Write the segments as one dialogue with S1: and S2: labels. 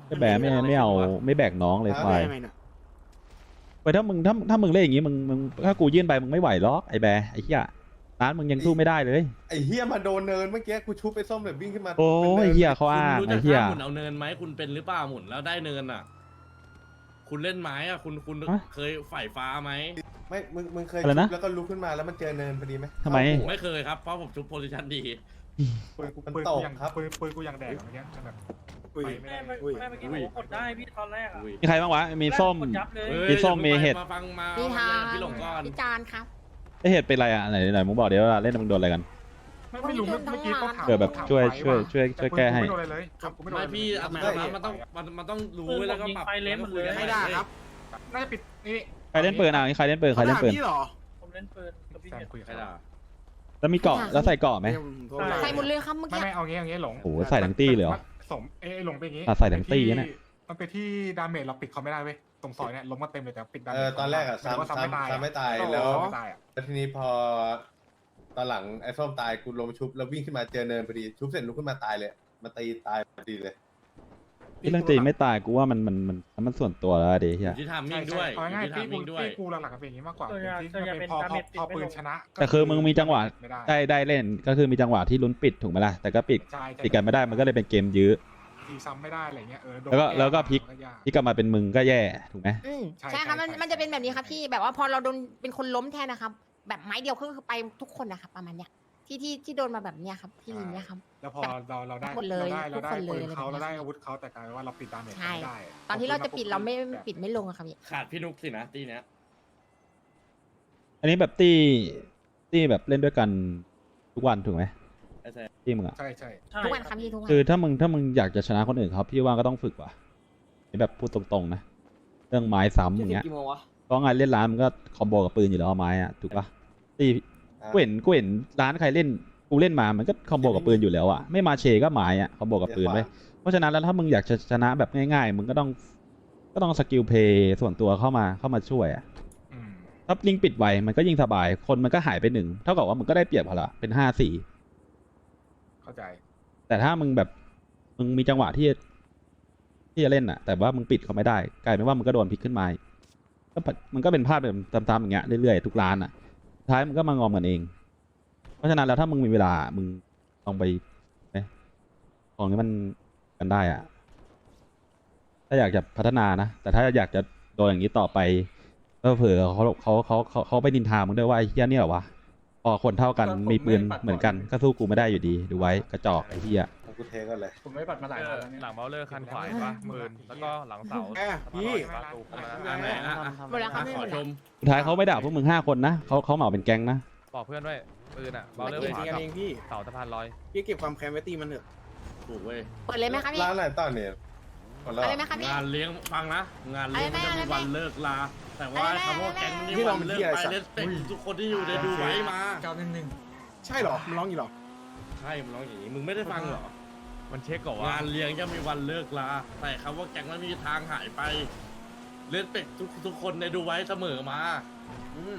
S1: ก็แบกไม่เอาไม่แบกน้องเลยควาย
S2: ยังไงเนี่ย
S1: ไปถ้ามึงเล่นอย่างงี้มึงถ้ากูยื่นไปมึงไม่ไหวหรอกไอ้แบร์ไอ้เหี้ยร้านมึงยังสู้ไม่ได้เลย
S3: ไอ้เฮียมาโดนเนินเมื่อกี้กูชุบไปส้มแบบวิ่งขึ้นมา
S1: โอ้
S3: ป็น
S1: ย
S3: นิน
S1: เหี้ยเขาอ้าง
S4: คุณรู้
S1: ไอ้
S4: จัก
S1: เหี้ย
S4: ท่าหมุนเอาเนินไหมคุณเป็นหรือเปล่าหมุนแล้วได้เนินอ่ะ คุณเล่นไม้อ่ะคุณเคยฝ่ายฟ้าไหม
S3: ไม่มึงเคย
S1: อะไร
S3: ชุ
S1: นะ
S3: บแล้วก็ลุกขึ้นมาแล้วมันเจอเนินพอดีไหม
S1: ทำไม
S3: เข้าหัว
S4: ไม่เคยครับเพราะผมชุบโพซิชันดี
S5: ปืนกู
S3: มัน
S5: ปืน
S3: ต
S5: กู
S3: ก
S5: ยัง
S3: ครับ
S5: ปืนกูยังแดกอย่างเงี้ยแบบ
S2: อุ้ย
S5: ไปไม่ได้
S6: แม่
S2: อุ้ย
S6: เมื่อกี้ผมกดได้พี่ตอนแรกอ่ะ
S4: อุ้ย
S1: มีใครบ้างวะมีส้ม
S6: กดยับเลย
S4: อ้ย
S1: มีส้มมีเห็ด
S4: มาฟังมา
S7: พี่ทา
S4: เอาพี่หลงก่อน
S7: พี่จานครับ
S1: ไอ้เห็ดเป็นไรอ่ะไหนมึงบอกเดี๋ยวเวลาเล่นมึงโดนอะไรกัน
S5: ไม่รู้เมื่อกี้ต้องถาม
S1: เผื่อแบบ
S5: ถาม
S1: ช่วย
S5: ไว้
S1: ช่วยแก้ให้
S5: ไม่โดนอะไรเลยกูไม่โดน
S4: ไม่
S5: อะไรเลย
S4: พี่อัตรามันต้องรู้แล้วก็ปรับ
S2: ไม่ได้ครับ
S5: น่าจะปิดนี่
S1: ใครเล่นปืนอ่ะใครเล่นปืนใครเล่นปืน
S2: พี่หรอ
S6: ผมเล่นปืนกับพี่
S5: แซ
S6: เห็
S5: ม
S6: ด
S5: คุยกับ
S4: ใคร
S5: เขา
S4: ด่า
S1: แล้วมีเกาะแล้วใส่เกาะไหม
S7: ใส่หมดเลยครับเมื่อ
S5: ไม่
S7: กี้
S5: ไม่เอางี้หลง
S1: โอ้โหใส่ทั้งตี้เลยเหรอ
S5: สมหลงเป็นอย่างงี้
S1: อ่ะใส่ทั้งตี้เนี่ย
S5: มันเป็นที่ดาเมจเราปิดเขาไม่ได้เว้ยตรงซอยเนี่ยล้มมาเต็มเลยแต่ปิดดาเม
S3: เอ
S5: จ
S3: อตอนแรกอะ
S5: หมายถึงว่า
S3: ซ้ำไม่ตาย
S5: อะ
S3: แล้ว
S5: ไม่ตายอะ
S3: แล้วทีนี้พอตอนหลังไอ้ส้มตายกูลงมาชุบแล้ววิ่งขึ้นมาเจอเนินพอดีชุบเสร็จลุกขึ้นมาตายเลยมาตีตายพอดีเลย
S1: ที่เรื่องตีไม่ตายกูว่ามันส่วนตัวแล้วดิ
S4: อ
S1: เฮีย
S4: ยู่ที่ทามมิ่งด้วย
S5: เอา
S4: อยู่
S5: ง่าย
S4: ที่
S5: ๆ
S4: ทามมิ่งด้วย
S5: ตีกูหลักๆก็เป็นอย่างนี้มากกว่า
S6: ส่วนใหญ่
S5: ที่
S6: ส่วนใหญ่เป็น
S5: พอ
S6: ดาเมจ
S5: พอปืนชนะ
S1: แต่คือมึงมีจังหวะ
S5: ไม่ได้
S1: ได้เล่นก็คือมีจังหวะที่ลุ้นปิดถูกไหมล่ะแต่ก็ปิด
S5: ใช่
S1: ปิดกันไม่ได้มันก็เลยเป็นเกมยื้อ
S5: ตีซ้ำไม่ได้อะไรเงี้ยโดน
S1: แล้วก็พลิก
S5: มันยาก
S1: ที่กลับมาเป็นมึงก็แย่ถูกไหม
S5: ใช่
S7: ใช่ครับ
S5: ใช่
S7: มันจะเป็นแบบนี้ครับพี่แบบว่าพอเราโดนเป็นคนล้มแทนนะครับ แบบไม้เดียวก็คือไปทุกคนนะครับประมาณเนี้ยที่โดนมาแบบเนี้ยครับที่ลิงเนี้ยครับ
S5: แล้วพอเราได้
S7: หมดเลย
S5: เราได้
S7: ทุกคนเลย
S5: ปืนเขา
S7: อะไรแบบนี้
S5: เราได้อาวุธเขาแต่กลายเป็นว่าเราปิดดาเมจ
S7: ใช่
S5: ไม่ได้
S7: ตอนที่เราจะปิดเราไม่ปิดไม่ลงอะครับพี่
S4: ขาดพี่นุกสินะตีเนี้ย
S1: อันนี้แบบตี้แบบเล่นด้วยกันทุกวันถูกไหม
S4: ใช่
S1: ตี้มึงอะ
S5: ใช่ใช่
S6: ใช่
S7: ทุกวันครับพี่ทุกวัน
S1: คือถ้ามึงอยากจะชนะคนอื่นเขาพี่ว่าก็ต้องฝึกว่ะนี่แบบพูดตรงๆนะเรื่องไม้ซ้ำอย่างเงี้ยเพราะงานเล่นร้านมันก็คอมโบกับปืนอยู่แล้วเอาไม้อะถูกปะตี้กูเห็นร้านใครเล่นกูเล่นมามันก็คอมโบกับปืนอยู่แล้วอะไม่มาเชก็ไม้อะคอมโบกับปืนไว้ยเพราะฉะนั้นแล้วถ้ามึงอยากจะชนะแบบง่ายๆมึงก็ต้องสกิลเพย์ส่วนตัวเข้ามาช่วยอะ
S5: อืม
S1: ถ้าลิงปิดไวมันก็ยิ่งสบายคนมันก็หายไปหนึ่งเท่ากับว่ามึงก็ได้เปรียบเขาละเป็น5-4
S5: เข้าใจ
S1: แต่ถ้ามึงแบบมึงมีจังหวะที่จะเล่นอะแต่ว่ามึงปิดเขาไม่ได้กลายเป็นว่ามึงก็โดนพลิกขึ้นมาก็มันก็เป็นภาพแบบตามๆอย่างเงี้ยเรื่อยๆทุกร้านอะสุดท้ายมึงก็มางอมกันเอง เพราะฉะนั้นแล้วถ้ามึงมีเวลามึงลองไปของนี้มันกันได้อะถ้าอยากจะพัฒนานะแต่ถ้าอยากจะโดนอย่างนี้ต่อไปก็เผื่อเขาไปนินทามึงด้วยว่าไอ้เฮียเนี่ยเหรอวะพอคนเท่ากันมีปืนเหมือนกันก็สู้กูไม่ได้อยู่ดีดูไว้กระจอกไอ้เฮีย
S3: เอากูเทกันเลย
S5: ผมไม่ปัดมาหลายวันแล้วเนี่ย
S8: หลังเบลเลอร์คันขวาเห็นปะปืนแล้วก็หลังเสา
S2: แอบพี่
S8: ประตูเข้ามา
S4: อันไหนอ่ะ
S7: หมดแล้วครับ
S4: ขอชม
S1: สุดท้ายเขาไม่ด่าพวกมึง5 คนนะเขาเหมาเป็นแก๊งนะ
S8: บอกเพื่อนด้วยปืนอ่ะเบลเลอร์
S2: เอง
S8: ขวา
S2: กัน
S8: กับ
S2: เองพี่
S8: เสาสะพานลอย
S2: พี่เก็บความแค้นไว้ตีมันเถอะ
S4: ถูกเว้ย
S7: เปิดเลยไหมครับพี่
S3: ร้านอะไรตอนเนี่ยหมดแล้ว
S7: อะไรไหมครับพี่
S4: งานเลี้ยงฟังนะ งานเลี้ยงมันจะมีวันเลิกลา แต่ว่าคำว่าแก๊งนี่
S2: พี่ลอง
S4: วันเลิก
S2: เที่ยว
S4: ไป
S2: สัตว์
S4: เลสเปคทุกคนที่อยู่ในดูไว้มา
S2: ใช่เหรอมันร้องอยู่เหรอ
S4: ใช่มันร้องอย่างนี้มึงไม่ได้ฟังเหรอ
S8: มันเช็คก่อนว่า
S4: งานเลี้ยงจะมีวันเลิกลา แต่คำว่าแก๊งมันมีทางหายไป เลสเปคทุกคนในดูไว้เสมอมาอืม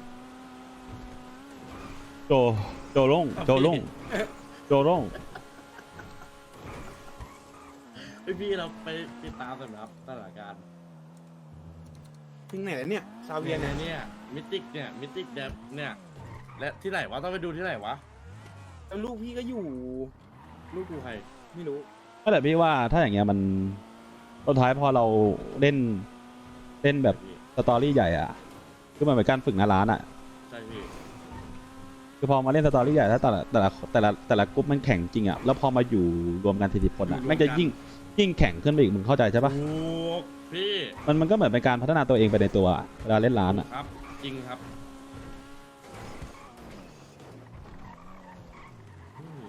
S1: โจล่งโจล่ง
S4: พี่เราไปติดตามสำหรับสถานการณ์
S2: ถึงไหนแล้วเนี่ยซาเวี
S4: เวี
S2: ย
S4: ย
S2: น
S4: น
S2: เนี่ย
S4: เนี่ยมิติกเนี่ยมิติกเดฟเนี่ยและที่ไหนวะต้องไปดูที่ไหนวะ
S2: แล้วลูกพี่ก็อยู่
S4: ลูกกูใคร
S2: ไม่รู้
S1: ก็แต่พี่ว่าถ้าอย่างเงี้ยมันสุดท้ายพอเราเล่นแบบสตอรี่ใหญ่อะคือมันเป็นการฝึกหน้าร้านอะ
S4: ใช่พี่
S1: คือพอมาเล่นสตอรี่ใหญ่ถ้าแต่ละกรุ๊ปมันแข่งจริงอะแล้วพอมาอยู่รวมกัน40 คนอะแม่งจะยิ่งแข่งขึ้นไปอีกมึงเข้าใจใช่ปะ
S4: ถูกพี่
S1: มันก็เหมือนเป็นการพัฒนาตัวเองไปในตัวอะเวลาเล่นร้านอะ
S4: ครับจริงครับอืม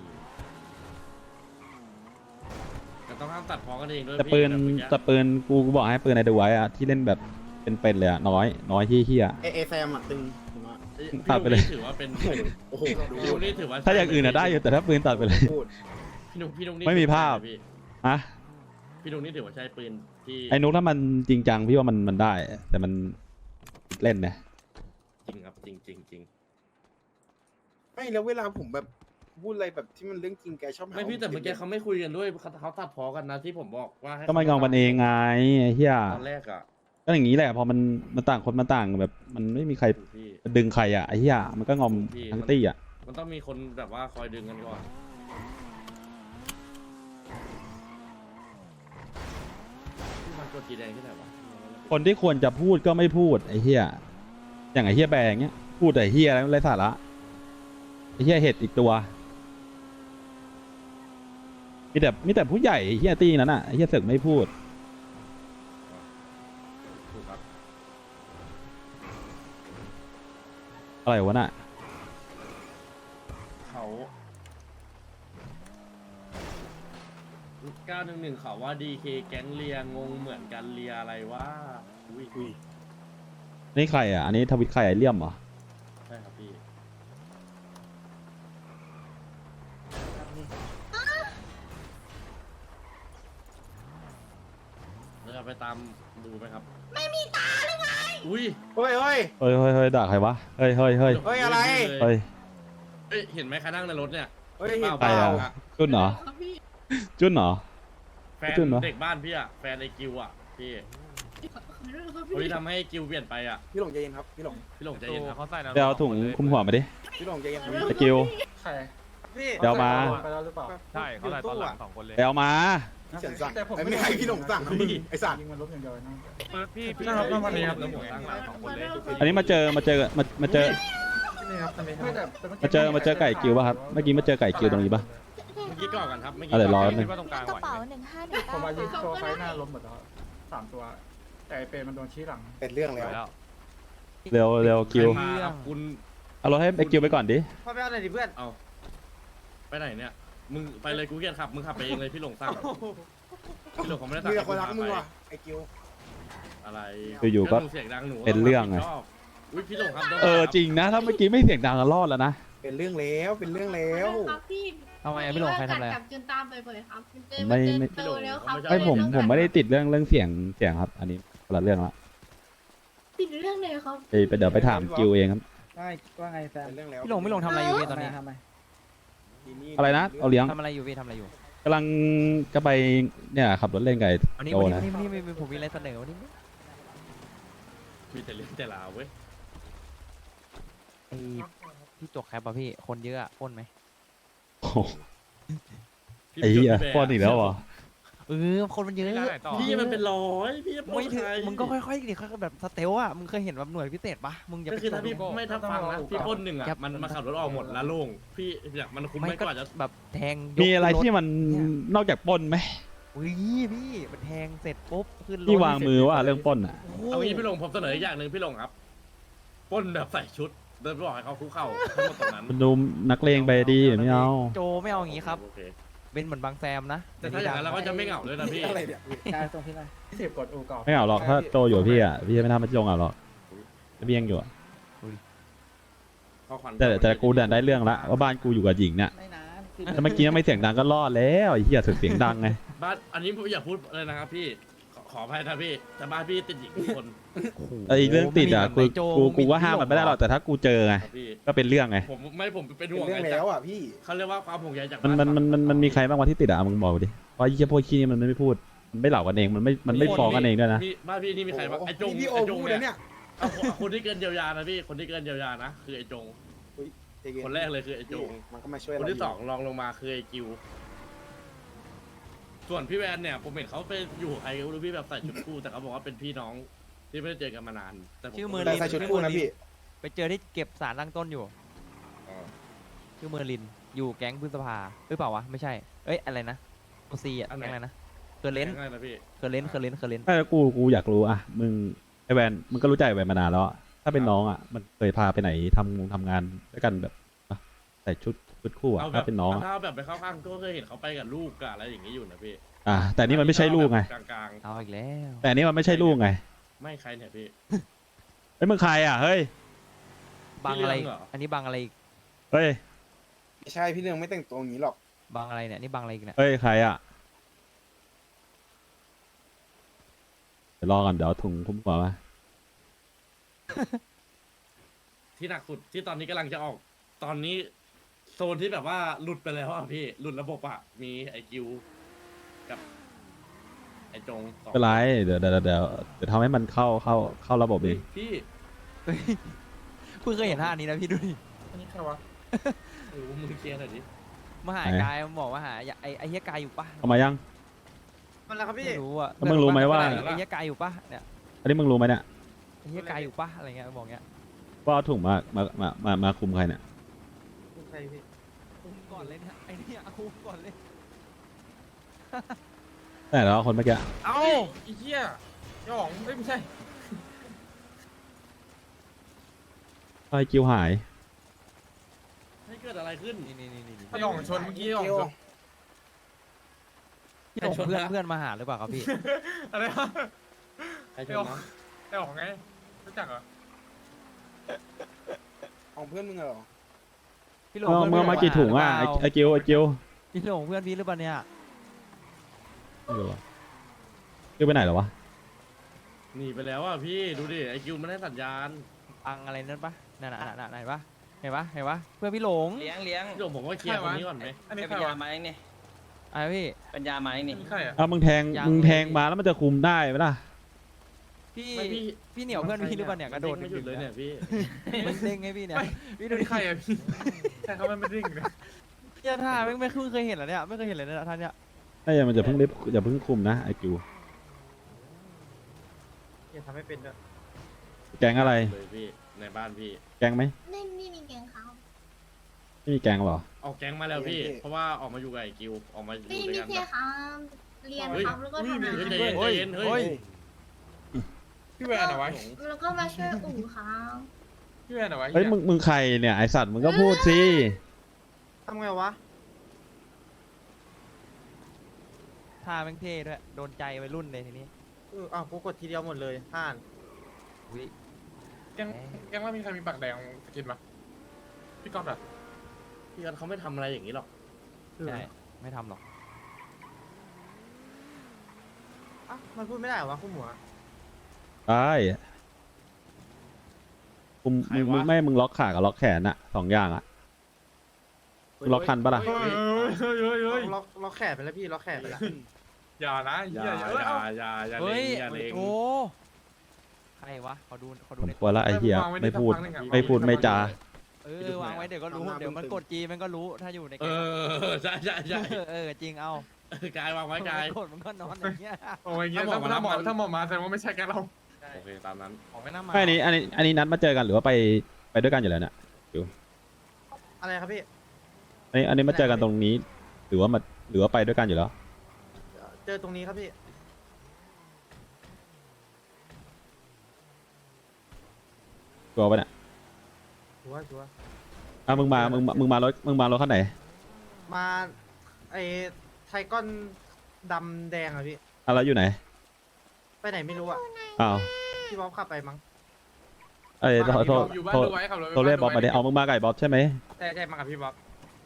S4: แต่ต้องห้ามตัดพ้อกันเองด้วย
S1: แต่
S4: พี่
S1: ปืน
S4: แบบเมื่อกี้
S1: แต่ปืนกูบอกให้ปืนในดูไว้อะที่เล่นแบบเป็นเลยอะน้อยที่เฮีย
S2: เอแซมอ่ะตึงผมว่า
S1: ตัดไปเลย
S4: พี่นุ๊กนี่ถือว่าเป็น
S2: โอ้โหดู
S4: พี่นุ๊กนี่ถือว่า
S1: ถ้าอย่างอื่นอะได้อยู่แต่ถ้าปืนตัดไปเลย
S2: พูด
S4: พี่นุ๊กนี่
S1: ไม่มีภาพ
S4: พี่
S1: อะ
S4: พี่นุ๊กนี่ถือว่าใช้ปืนที่
S1: ไอ้นุกถ้ามันจริงจังพี่ว่ามันได้ แต่มันเล่นนะ
S4: จริงครับจริง
S2: ไม่แล้วเวลาผมแบบพูดอะไรแบบที่มันเรื่องจริงแกชอบหา
S4: ไม่พี่แต่เมื่อกี้เขาไม่คุยกันด้วยเขาตัดพอกันนะที่ผมบอกว่าให้
S1: ก็มันงองกันเองไงไอ้เฮีย
S4: ตอนแรกอ่ะ
S1: ก็อย่างนี้แหละพอมันต่างคนมันต่างแบบ มันไม่มีใคร
S4: พี่
S1: ดึงใครอ่ะไอ้เฮียมันก็งอม
S4: พี่
S1: ทั้งตี้อ่ะ
S4: มันต้องมีคนแบบว่าคอยดึงกันก่อนพี่มันกดจีแดงที่ไหนวะ
S1: คนที่ควรจะพูดก็ไม่พูดไอ้เฮียอย่างไอ้เฮียแบงเนี้ยพูดแต่เฮียอะไรไม่ไรสาระไอ้เฮียเห็ดอีกตัวมีแต่ผู้ใหญ่ไอ้เฮียตี้นั้นอ่ะไอ้เฮียเสึกไม่พูด
S4: ถูกครับ
S1: อะไรวะน่ะ
S4: เขา911เขาว่าดีเคแก๊งเลียงงเหมือนกันเลียอะไรวะอุ้ย
S1: นี่ใครอ่ะอันนี้ทวิตใครไอเลี่ยมเหรอ
S4: ใช่ครับพี่เราจะไปตามดูไหมครับ ไม่มีตาเลยไงอุ้ย
S2: เฮ้ยเฮ้ย
S1: เฮ้ยด่าใครวะเฮ้ย
S2: เฮ้ยอะไร
S1: เฮ้ย
S4: เอ้ยเห็นไหมใครนั่งในรถเนี่ย
S2: เฮ้ยเห็น
S1: ใค
S2: เป
S1: ร
S2: ล่า
S1: อ่ะจุนเหรอจุนเหรอ
S4: แฟน
S1: จุนเหรอ
S4: เด็กบ้านพี่อะแฟนไอกิวอะพี่คนที่ทำให้กิวเปลี่ยนไปอะ
S2: พี่หลงใจเย็นครับพี่หลง
S4: พี่หลงใจเย็นครับ
S8: เขาใส่น้ำ
S1: เดี๋ยวเอาถุงคุมหัวมาดิ
S2: พี่หลงใจเย็นครับ
S1: ตะกิว
S5: ใคร
S2: พี่
S1: เดี๋ยวมา
S5: ไปแล้วหรือเปล่า
S8: ใช่เขาใส่ตอนหลัง2 คนเลย
S1: เดี๋ยวมา
S2: พี่เฉินสั่ง
S5: แต่ผม
S2: ไอ้ไม่ให้พี่หลงสั่งนะมึงไอ้สัตว์
S5: ยิงมันลบอย่างเดียวนะ
S8: พี่
S5: ครับวันนี้ครับ
S8: แล้วผมตั้งหลัง2 คนเลย
S1: อันนี้มาเจอมาเจอไก่กิวป่ะครับเมื่อกี้มาเจอไก่กิวตรงนี้ป่ะ
S4: เมื่อกี้ก่อนกันครับเมื่อกี้
S1: เอาเดี๋ยวรอ
S8: คิดว่าตรงกลาง
S7: กระ
S8: ไหว
S7: เป๋า
S8: ไหม
S7: 1519
S5: ผมว่ายิงตัวไฟหน้าล้มหมดแล้ว3 ตัว แต่ไอ้เปรย์มันโดนชี้หลัง
S2: เป็นเรื่อง
S8: ไหว
S2: แล้ว
S8: แล้ว
S1: เร็วกิว
S4: ใครมาครับคุณ
S1: เอารถให้ไอกิวไปก่อนดิ
S2: พ่อไปเอาหน่อยดิเพื่อน
S4: เอาไปไหนเนี่ยมึงไปเลยกูเกียจขับมึงขับไปเองเลยพี่หลงสั่งพี่หลงเขาไม่ได้สั่ง
S2: มีแต่คนรัก
S4: ให้
S2: มึง
S4: พา
S2: ว่ะ
S4: ไป
S2: ไอ้กิว
S4: อะไร
S1: อยู่ๆก็
S4: มึงเสียงดังหนู
S1: เป็นเรื่องไง
S4: ไงอุ้ยพี่หลงครับโดน
S1: จริงนะถ้าเมื่อกี้ไม่เสียงดังก็รอดแล้วนะ
S2: เป็นเรื่องแล้วเป็นเรื่องแล้ว
S9: ครับพี่
S8: ทำไมพี่หลงใครทำอะไร
S9: กับจุนตามไปเลยครับจุนเจอ
S1: ไม่
S9: เจอแล้วครับ
S1: ไม่ผมไม่ได้ติดเรื่องเสียงครับ อันนี้คนละเรื่องละ
S9: ติดเรื่องเลยครับ
S1: ไปเดี๋ยวไปถามกิวเองครับ
S2: ว่าไงแฟนเป็นเรื่องแล้ว
S10: พี่หลงทำอะไรอยู่พี่ตอนนี้
S1: อะไรนะเอาเลี้ยง
S10: ทำอะไรอยู่พี่ทำอะไรอยู่
S1: กำลังจะไปเนี่ยขับรถเล่นกับไอ้
S10: วันนี้
S1: โจ
S10: วัน
S1: นะ
S10: นี้ผมมีอะไรเสนอวันนี้
S4: มีแต่เรื่องแต่ลาวเว้ย
S10: ไอพี่จกแคปป่ะพี่คนเยอะอะปล้นไหม
S1: โอ้โหไอ้เหี้ยป้อนอีกแล้วเหรอ
S10: คนมันเยอะ
S8: ไม่ได้ไหนต่อ
S4: พี่มันเป็นร้อยพี่จะปล้
S10: ไม่
S4: น
S10: ถึง
S4: ใคร
S10: มึงก็ค่อยๆดิค่อยๆแบบสเตลอะมึงเคยเห็นแบบหน่วยพิเศษปะมึงอย่า
S4: ก็
S10: ไป
S4: คือถ้าพี่ไม่ถ้าฟังนะพี่ปล้นหนึ่งอ่ะ
S10: ครับ
S4: มันมาขับรถออกหมดแล้วโล่งพี่เนี่ยมันคุ้ม
S10: ไม่
S4: ไม่
S10: ก็
S4: กว่าจะ
S10: แบบแทงยก
S1: มีอะไรที่มัน
S10: เนี่ย
S1: นอกจากปล้นไหม
S10: อุ้ยพี่มันแทงเสร็จปุ๊บขึ้นรถ
S1: ที่วางมือว่าเรื่องปล้นอ่ะ
S10: โอ้โห
S4: เอางี้พี่หลงผมเสนออีกอย่างหนึ่งพี่หลงครับปล้นแบบใส่ชุดเดินไปบอกให้เขาคุกเข่าทั้งหมดตรงนั้น
S1: มันดูนักเลงไปดีไม่เอา
S10: โจไม่เอาอย่างงี้ครับ
S4: โอเค
S10: เป็นเหมือนบางแซมนะ
S4: แต่ถ้าอย่างนั้นเราก็จะไม่เหงาเลยนะพี่
S2: อะไรเนี่ย
S5: เสียบกดอูก่อน
S1: ไม่เอาหรอกถ้าโจอยู่กับพี่อ่ะพี่จะไม่ทำมันจงเอาหรอกพี่ยังอยู่อะ
S4: ข้อความ
S1: แต่กูเนี่ยได้เรื่องละว่าบ้านกูอยู่กับหญิงเนี่ยแต่เมื่อกี้ไม่เสียงดังก็รอดแล้วไอ้เหี้ยเสียงดังไง
S4: บ้านอันนี้ผมอย่าพูดเลยนะครับพี่ขออภัยนะพี่แต่บ้านพี่ติดหญิงทุกคน
S1: ไอ้เรื่องติดอ่ะ
S10: โอ้โห
S1: กูก็ห้ามมันไม่ได้หรอกแต่ถ้ากูเจอไง
S4: ครับพี่
S1: ก็เป็นเรื่องไง
S4: ผมเป็น
S2: เป็น
S4: ห่วง
S2: เรื่อง
S4: ไง
S2: แล้วอ่ะพี่
S4: เขาเรียกว่าความห่วงใยจาก
S1: มัน
S4: บ้าน
S1: มันมีใครบ้างวะที่ติดอ่ะมึงบอกดิเพราะไอ้เหี้ยพวกขี้นี่มันไม่พูดมันไม่เหล่ากันเองมันไม่ฟ้องกันเองด้วยนะ
S4: พี่บ้านพี่นี่มีใครบ้างไอ้จง
S2: พี่โอ
S4: ไอ้จง
S2: พูด
S4: เนี่
S2: นะเนี่ย ย
S4: เอาคนที่เกินเยียวยานะพี่คนที่เกินเยียวยานะคือไอ้จง
S2: ใจเย็
S4: คนแรกเลยคือไอ้จง
S2: มันก็มาช่วย
S4: คน
S2: เรา
S4: ที่สองรองลงมาคือไอ้กิว ส่วนพี่แวนเนี่ยผมเห็นเขาไปอยู่ใครก็ไม่รู้พี่แบบใส่ชุดคู่แต่เขาบอกว่าเป็นพี่น้องที่ไม่ได้เจอกันมานานแต่ผม
S10: ชื่อเมอร์
S2: แต่
S10: ลิน
S2: ใส่ชุดคู่นะพี่
S10: ไปเจอที่เก็บสารตั้งต้นอยู่
S4: อ๋อ
S10: ชื่อเมอร์ลิน อยู่แก๊งพฤษภาหรือเปล่าวะ ไม่ใช่ เอ้ย อะไรนะโอซีอ่ะ แก๊งอะไรนะเคอร์เลน
S4: ง่ายนะพี่
S10: เคอร์เลนเคอร์เลนเคอร์เลน
S1: ไม่แล้วกูอยากรู้อ่ะมึงไอแวนมึงก็รู้ใจไอแวนมานานแล้วอะถ้าเป็นน้องอ่ะมันเคยพาไปไหนทำงานด้วยกันแบบอ่ะใส่ชุดคู่อ่ะ
S4: เอาแบ
S1: ถ้า
S4: บ
S1: เป็นน้องอะ
S4: ถ้าแบบไปเข้าข้างก็เคยเห็นเขาไปกับลูกกับอะไรอย่างนี้อยู่นะพี่
S1: แต่นี่มันไม่ใช่ลูกไง
S4: กลาง
S10: เอาอีกแล้ว
S1: แต่อันนี่มันไม่ใช่ลูกไง
S4: ๆไม่ใครเนี่ยพี่
S1: เฮ้ยมึงใครอ่ะเฮ้ย
S10: บังอะไร
S4: พี่เรื่องเหรอ
S10: อันนี้บังอะไรอีก
S1: เฮ้ย
S2: ไม่ใช่พี่เรื่องไม่แต่งตัวอย่างนี้หรอก
S10: บังอะไรเนี่ย นี่บังอะไรอีกเนี่ย
S1: เฮ้ยใครอ่ะเดี๋ยวรอกันเดี๋ยวเอาถุงคุ้มหัวมา
S4: ที่หนักสุดที่ตอนนี้กำลังจะออกตอนนี้โซนที่แบบว่าหลุดไปแล้วอ่ะพี่หลุดระบบอ่ะมีไอคิวกับไอจงสอง
S1: เป็นไรเดี๋ยวทำให้มันเข้าระบบเอง
S4: พี่
S10: เพิ่งเคยเห็นท่านี้นะพี่ดูดิ
S5: อันนี้ใครวะ
S4: หรือมึงเคลียร์หน่อยดิ
S10: มาหากายมันบอกว่าหาไอ้เฮียกายอยู่ปะ
S1: เอามายัง
S2: มันแล้วครับพี่
S10: ไม่รู้อ่ะ
S1: แล้วมึงรู้ไหมว่า
S10: ไอ้เฮียกายอยู่ปะเนี่ย
S1: อันนี้มึงรู้ไหมเนี่ย
S10: ไอ้เฮียกายอยู่ปะอะไรเงี้ยบอกเงี้ย
S1: ว่าเอาถุงมาคุมใครเนี่ย
S2: ใครพี่
S10: อุ้มก่อนเลยเนี่ยไอ้เนี่ยเอาอุ้มก่อนเลย
S1: แต่แล้วคนเมื่อกี้
S5: เอ้าไอ้เหี้ยหยองไม่ใช่
S1: ไอ้คิวหาย
S4: ให้เกิดอะไรขึ้น
S10: นี่
S5: หยองชนเมื่อกี้หยองชน
S10: พี่หลงเพื่อนมาหาหรือเปล่าครับพี่
S5: อะไรวะ
S4: ใครช
S5: หยอง
S4: นนะ
S5: หยองไงรู้จักเหรอ
S2: ของเพื่อนมึงเหรอ
S10: พี่หลง
S1: เมื่อมากี่ถุงอ่ะไอ้คิว
S10: พี่หลงเพื่อนพี่หรือเปล่าเนี่ย
S1: ไม่รู้อะคิวไปไหนเหรอวะ
S4: หนีไปแล้วอ่ะพี่ดูดิไอคิวมันให้สัญญาณ
S10: ปังอะไรนั่นปะนั่นไหนปะเห็นปะเพื่อนพี่หลง
S6: เลี้ยง
S4: พี่หลงผมก็เคลียร์คนนี้ก่อนไหม
S5: อันนี้ใคร
S6: ปัญญาว
S5: ะ
S6: มาเองนี่
S10: อะไรพี่
S6: ปัญญามาเองนี่
S5: อันนี้ใครอ่ะ
S1: อ้าวมึงแทงมาแล้วมันจะคุมได้ไหมล่ะ
S10: พี่
S4: ไม่พี่
S10: พี่เหนียวเพื่อนพี่หรือเปล่าเนี่ยกระโดด
S4: ไม่หยุดเลยเนี่ยพี่
S10: มันเด้งไงพี่เนี่ย
S5: พี่ดูดิใครอ่ะพี่ใครเขาไม่ริ่งเลย
S10: เจ้าท่าไม่เคยเห็นเหรอเนี่ยไม่เคยเห็นเลยนะท่านเนี่ย
S1: ถ้าอย่างมันจะเพิ่งคุมนะไอ้คิว
S5: อย่าทำให้เป็นด้วย
S1: แกงอะไร
S4: เลยพี่ในบ้านพี่
S1: แกงไหม
S9: ไม่มีแกงเขา
S1: ไม่มีแกงหรอ
S4: ออกแก๊งมาแล้วพี่ เพราะว่าออกมาอยู่กับไอคิวออกมาอยู่
S9: ไม่
S4: ด้วย
S9: มี
S4: กัน
S9: แค่
S4: แบบ
S9: ครับเรียนครับแล้วก็ทำงาน
S4: เฮ้ยใจเย็นเฮ้ย
S5: พี่แวนเหรอวะ
S9: แล้วก็มาช่วยอู่ครับ
S5: พี่แวนเหรอวะ
S1: เฮ้ยมึงใครเนี่ยไอสัตว์มึงก็พูดสิ
S2: ทำไงวะ
S10: ท่าแม่งเท่ด้วยโดนใจวัยรุ่นเลยทีนี้
S2: อ้าวกูกดทีเดียวหมดเลยห่าน
S10: อุ๊ย
S5: แกงว่ามีใครมีปากแดงสกินปะพี่ก๊อฟเหรอ
S4: พี่กันเขาไม่ทำอะไรอย่างนี้หรอก
S10: ใช่ไม่ทำหรอก
S2: อ้าวมันพูดไม่ได้เหรอวะคู่หัว
S1: ได้มึงล็อกขากับล็อกแขนอะ2 อย่างอะมึงล็อกทันปะล่ะ
S5: เฮ้ย
S2: ล็อกแขนไปแล้วพี่ล็อกแขนไปแล้ว
S5: อย่านะ
S4: อ
S5: อย่า
S4: ย่า
S5: อย่า
S4: อย่า
S10: เฮ้ย
S4: อย่าเลง
S10: โอ้ใครวะขอดู
S1: ผม
S10: ใน
S1: กลัวละไอ้เหี้ยไม่พูดไม่จา
S10: วางไว้เดี๋ยวก็รู้เดี๋ยวมันกดจีมันก็รู้ถ้าอยู่ใน
S4: เออใช่
S10: จริงเอา
S4: กายวางไว้กาย
S10: กดมันก็นอนอย่างเงี้ย
S5: โอ้ยเงี้ยถ้าหมอมาแสดงว่าไม่ใช่แกเรา
S4: โอเคตามนั้น
S10: ของไม่น่ามา
S1: ไม่อันนี้นัดมาเจอกันหรือว่าไปด้วยกันอยู่แล้วเนี่ย
S2: อะไรครับพี่
S1: อันนี้มาเจอกันตรงนี้ หรือว่าไปด้วยกันอยู่แล้ว
S2: เจอตรงนี้ครับพี่
S1: ตัวปะเนี่ย
S2: ชัวร์
S1: อ่ะมึงมารถคันไหน
S2: มาไอ้ไทก้อนดำแดงอะพี่
S1: อ่ะแล้วอยู่ไหน
S2: ไปไหนไม่รู้อะ
S1: อ้าว
S2: พี่บ๊อบขับไปมั้ง
S1: เอ้ยโทร
S5: อยู่บ้าน
S1: โทร
S5: ดูไว้ขับรถ
S1: โทรเรียกบ๊อบมาดิเอามึงมาไก่บ๊อบใช่ไหม
S2: ใช่มากับพี่บ๊อบ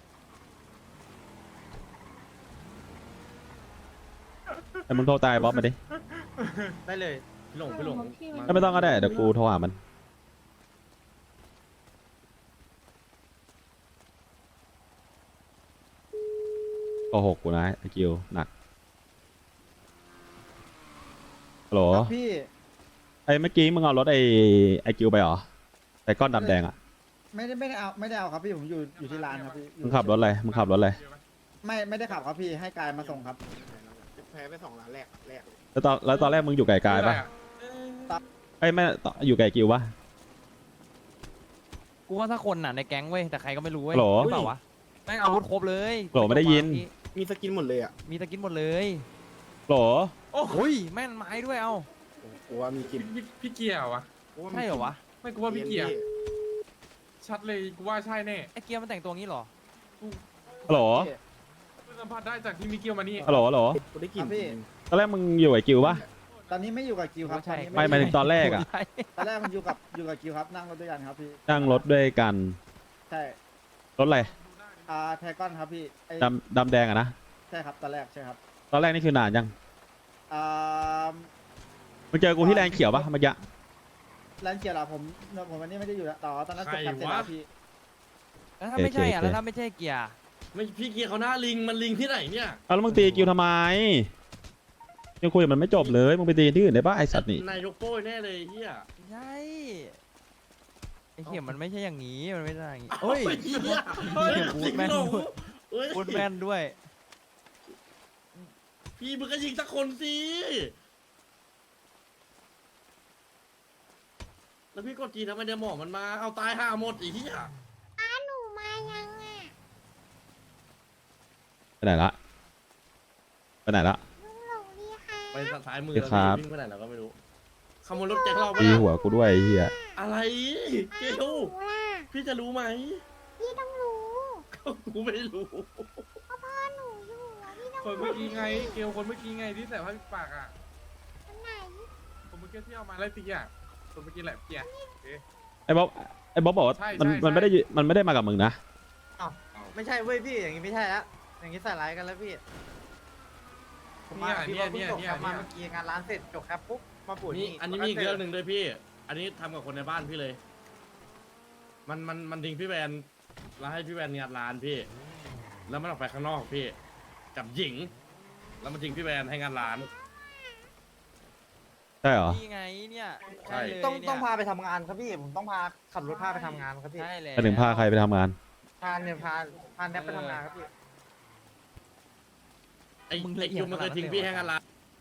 S1: ไอ้มึงโทรตายบ๊อบมาดิ
S2: ได้เลย
S4: พี่หลงพี่หลง
S1: ไม่ต้องก็ได้เดี๋ยวกูโทรหามันโกหกกูนะไอ้กิวหนักฮัลโหล
S2: พี่
S1: ไอ้เมื่อกี้มึงเอารถไอ้กิวไปเหรอไอ้ก้อนดำแดงอ่ะ
S11: ไม่ได้เอาครับพี่ผมอยู่ที่ร้านครับพี่
S1: มึงขับรถอะไร
S11: ไม่ได้ขับครับพี่ให้กายมาส่งครับ
S2: แพ้ไป2 ล้านแรก
S1: แล้วตอนแรกมึงอยู่ไกลๆปะไอ้ยไม่อยู่ไกลกิวปะ
S10: กูว่าถ้าคนน่ะในแก๊งเว้ยแต่ใครก็ไม่รู้เว้ย
S1: โหล
S10: เปล่าวะแม่งอาวุธครบเลย
S1: โหลไม่ได้ยิน
S2: มีสกินหมดเลยอะ
S10: มีตะกินหมดเลย
S1: โหล
S10: โอ้ยแม่นไม้ด้วยเอา
S2: กูว่ามีกิน
S5: พี่เกียร์วะ
S10: ใช่เหรอวะ
S5: ไม่กูว่าพี่เกียร์ชัดเลยกูว่าใช่แน่
S10: ไอ้เกียร์มันแต่งตัวงี้เหรอ
S1: ฮัลโหล
S5: กูสัมผัสได้จากที่มิเกียวมานี่
S1: ฮัลโหล
S2: กูได้กิน
S11: ครับพี่
S1: ตอนแรกมึงอยู่ไอ้กิวปะ
S11: ตอนนี้ไม่อยู่กับกิวครับ
S10: ใช่
S11: ตอนนี้
S1: ไม่หมายถึงตอนแรกอะ
S10: ใช่
S11: ตอนแรกมันอยู่กับกิวครับนั่งรถด้วยกันครับพี่
S1: นั่งรถด้วยกัน
S11: ใช่
S1: รถอะไร
S11: ไทก้อนครับพี่ไอ้
S1: ดำแดงอะนะ
S11: ใช่ครับตอนแรกใช่ครับ
S1: ตอนแรกนี่คือนานยัง
S11: อ่า
S1: มึงเจอกูที่แลนด์เขียวปะเมื่อกี้
S11: ร้านเกียร์เหรอผมวันนี้ไม่ได้อยู่แล้วต่อตอนนั้นจบกันเสร็จแล้วพี่
S10: แล้วถ้าไม่ใช่อ่ะ
S1: โอเค
S10: แล้วถ้าไม่ใช่เกียร์
S4: ไม่พี่เกียร์เขาหน้าลิงมันลิงที่ไหนเนี่ย
S1: เอาแล้วมึงตีกิวทำไมยังคุยกับมันไม่จบเลยมึงไปตีที่อื่นได้ปะไอสัตว์นี่
S4: นายกโป้ยแน่เลยเฮีย
S10: ไม่ใช่ไอ้เข็มมันไม่ใช่อย่างนี้มันไม่ใช่อย่างนี้
S4: โอ้
S10: โอ้
S4: ย
S10: ย
S4: เฮียเฮ้ย
S10: พู
S4: สิ
S10: ด
S4: ง
S10: แม่น
S4: หลง
S10: ด้วย
S4: เฮ้ย
S10: พูดแม่นด้วย
S4: พี่มึงก็ยิงสักคนสิแล้วพี่กดจีทำไมเดี๋ยวหมอมันมาเอาตายห่าหมดไอ้เหี้ย
S7: หนูมายังอ่ะ
S1: ไปไหนละไปไหนละ
S7: ลุงหลงดีค่ะ
S4: ไปซ้ายมือ
S1: พี่
S4: แล้ว
S1: ครับ
S4: วิ่งไปไหนเราก็ไม่รู้ขโมยรถแจ็คเราไป
S1: ตี
S4: ละ
S1: หัวกูด้วยไอ้เหี้ย
S4: อะไรเกล
S7: รู้ล่ะ
S4: พี่จะรู้ไหม
S7: พี่ต้องรู้
S4: กูไม่รู้
S7: พ่อหนูอยู่อ่ะพี่ต้อง
S6: คนเมื่อกี้ไง เกลคนเมื่อกี้ไงที่ใส่ผ้าปิดปากอ่ะ
S7: คนไหน
S6: คนเมื่อกี้ที่เอามาไล่ตีอ่ะคนเมื่อกี้แหละเกียร์
S1: ไอ้บ๊อบบอกว่า
S6: ใช่
S1: มัน
S6: ใช่
S1: มันไม่ได้มันไม่ได้มากับมึงนะ
S2: ไม่ใช่เว้ยพี่อย่างงี้ไม่ใช่แล้วอย่างงี้ใส่ร้ายกันแล้วพี่ผมมาพี่ว่าเพิ่งจบแคปมาเมื่อกี้งานร้านเสร็จจบแคปปุ๊บมาปวด
S4: นี่อันนี้มีอีกเรื่องหนึ่งด้วยพี่ อันนี้ทำกับคนในบ้านพี่เลย มันทิ้งพี่แวนแล้วให้พี่แวนงานร้านพี่ แล้วมันออกไปข้างนอกพี่กับหญิง แล้วมันทิ้งพี่แวนให้งานร้าน
S1: ใช่เหรอ
S10: นี่ไงเนี่ย
S4: ใช่
S10: เลย
S2: ต้อง
S10: เนี่ย
S2: ต้องพาไปทำงานครับพี่ผมต้องพาขับรถพาไปทำงานครับพี่
S10: ใช่เลย
S1: ไปถึงพาใครไปทำงาน
S2: พาเนี่ยพาแนบไปทำงานครับพี่
S4: ไอ้คิวมันเคยทิ้งพี่ให้งานร้าน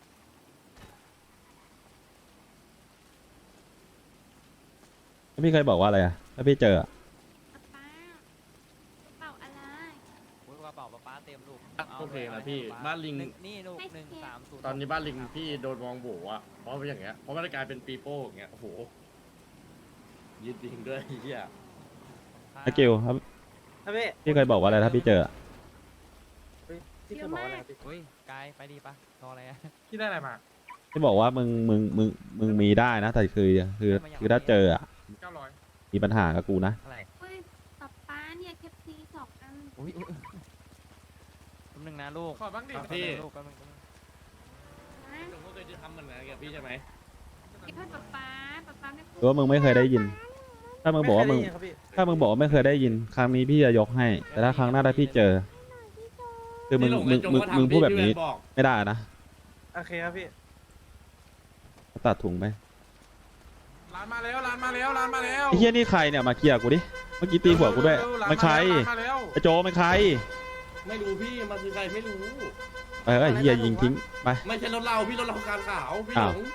S1: แล้วพี่เคยบอกว่าอะไรอะถ้าพี่เจออะ
S7: ป้าเป่าอะไร
S10: โอ้ยกระเป๋าป๊าเต็มลูก
S4: โอเคนะพี่บ้านลิง
S10: นี่ลูก130
S4: ตอนนี้บ้านลิงพี่โดนมองโบอ่ะเพราะเป็นอย่างเงี้ยเพราะมันกลายเป็นปีโป้อย่างเงี้ยโอ้โหยืดยิงด้วยไอ้เหี้ย
S1: ไอ้กิวครับ
S2: ครับพี่
S1: พี่เคยบอกว่าอะไรถ้าพี่เจออะ
S2: ที่เคยบอกว่าอะไรครับพี่
S10: เฮ้ยกายไปดีปะรออะไรอะ
S6: ที่ได้อะไรมา
S1: พี่บอกว่ามึงมีได้นะ แต่คือถ้าเจออะ
S6: 900
S1: มีปัญหากับกูนะ
S10: อะไร
S9: เฮ้ยป๊าป๊าเนี่ยเคปซี2 อัน
S10: อุ้ยแป๊บนึงนะลูก
S6: ขอบ้างดิ
S10: แป๊บนึงลูกแป๊บนึง
S4: หนูก็เคยจะทำเหมือนกันกับพี่ใช่ไหม
S9: เก็บให้ป๊าป๊าไม่
S1: หรือว่ามึงไม่เคยได้ยิน ถ้ามึงบอกว่ามึง
S2: ไเคยได้ยินครับพี่
S1: ถ้ามึงบอกว่าไม่เคยได้ยิน ครั้งนี้พี่จะยกให้ แต่ถ้าครั้งหน้าถ้าพี่เจอ คือมึง
S4: พี่หลง
S1: มึ
S4: ไอ้
S1: ง
S4: จง
S1: มึง
S4: ก็ทำ
S1: มึงพูดแบบนี้
S4: พี่แวนบอก
S1: ไม่ได้นะ
S2: โอเคครับพี่
S1: ตัดถุงไป
S6: ร้านมาแล้วร้านมาแล้วร้านมาแล้ว
S1: ไอ้เฮียนี่ใครเนี่ยมาเคลียร์กูดิ เมื่อกี้ตีหัวกูด้วย
S6: ร้า
S1: มันใคร
S6: ร้านมาแล้ว
S1: ไอ้โจมันใคร
S4: ไม่รู้พี่มันคือใครไม่รู้
S1: ไปไอ้เฮียยิงทิ้งไป
S4: ไม่ใช่รถเราพี่รถเราการขาวพี่ห
S1: อ้า
S4: ล
S1: ว
S4: ง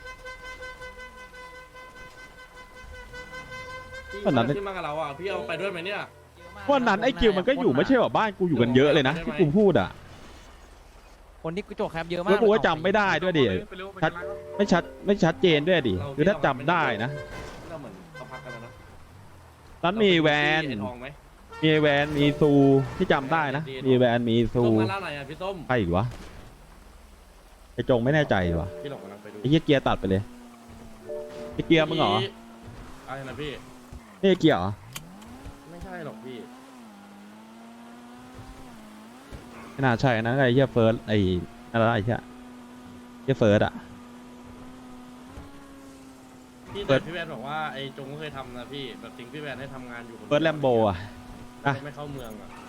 S4: พี่
S1: วันนั้น
S4: ขึ้นมากับเราอ่ะพี่เอาไปด้วยไหมเนี่ย
S1: วันนั้นไอ้กิวมันก็อยู่ไม่ใช่แบบบ้านกูอยู่กันเยอะเลยนะที่กูพูดอ่ะ
S10: คนที่กูโจกแคปเยอะมาก
S1: แล้วกูก็จำไม่ได้ด้วยดิ
S6: ไปเร็วไป
S1: ชัด
S6: ร้านก็
S1: ไม่ชัดเจนด้วยดิ คือถ้าจำได้นะ
S4: เราเหมือนเขาพักกันแล้วนะ
S1: นั้นมีแวน
S4: ไอ้ทองไหม
S1: มีแวนมีซูที่จำได้นะ มีแวนมีซู
S4: ส้มมาล่าไหนอ่ะพี่ส้ม
S1: ใครอีกวะไอ้จงไม่แน่ใจวะ
S4: พี่หลงกำลังไปดู
S1: ไอ้เหี้ยเกียร์ตัดไปเลยไอ้เกียร์มึงเหรอ
S4: อะไรนะพี่
S1: นี่ไอ้เกียร์เหรอ
S4: ไม่ใช่หรอกพี่
S1: ไม่น่าใช่นะไอ้เหี้ยเฟิร์สไอ้อะไรนะไอ้เหี้ยเฟิร์สอะ
S4: พี่
S1: เปิ
S4: แต่
S1: ด
S4: พี่แวนบอกว่าไอ้จงก็เคยทำนะพี่แบบทิ้งพี่แวนให้ทำงานอยู่คนดียว
S1: เฟิร์สแลมโบอะ
S4: แล้วก็ไม่เข้าเมืองอ่ะ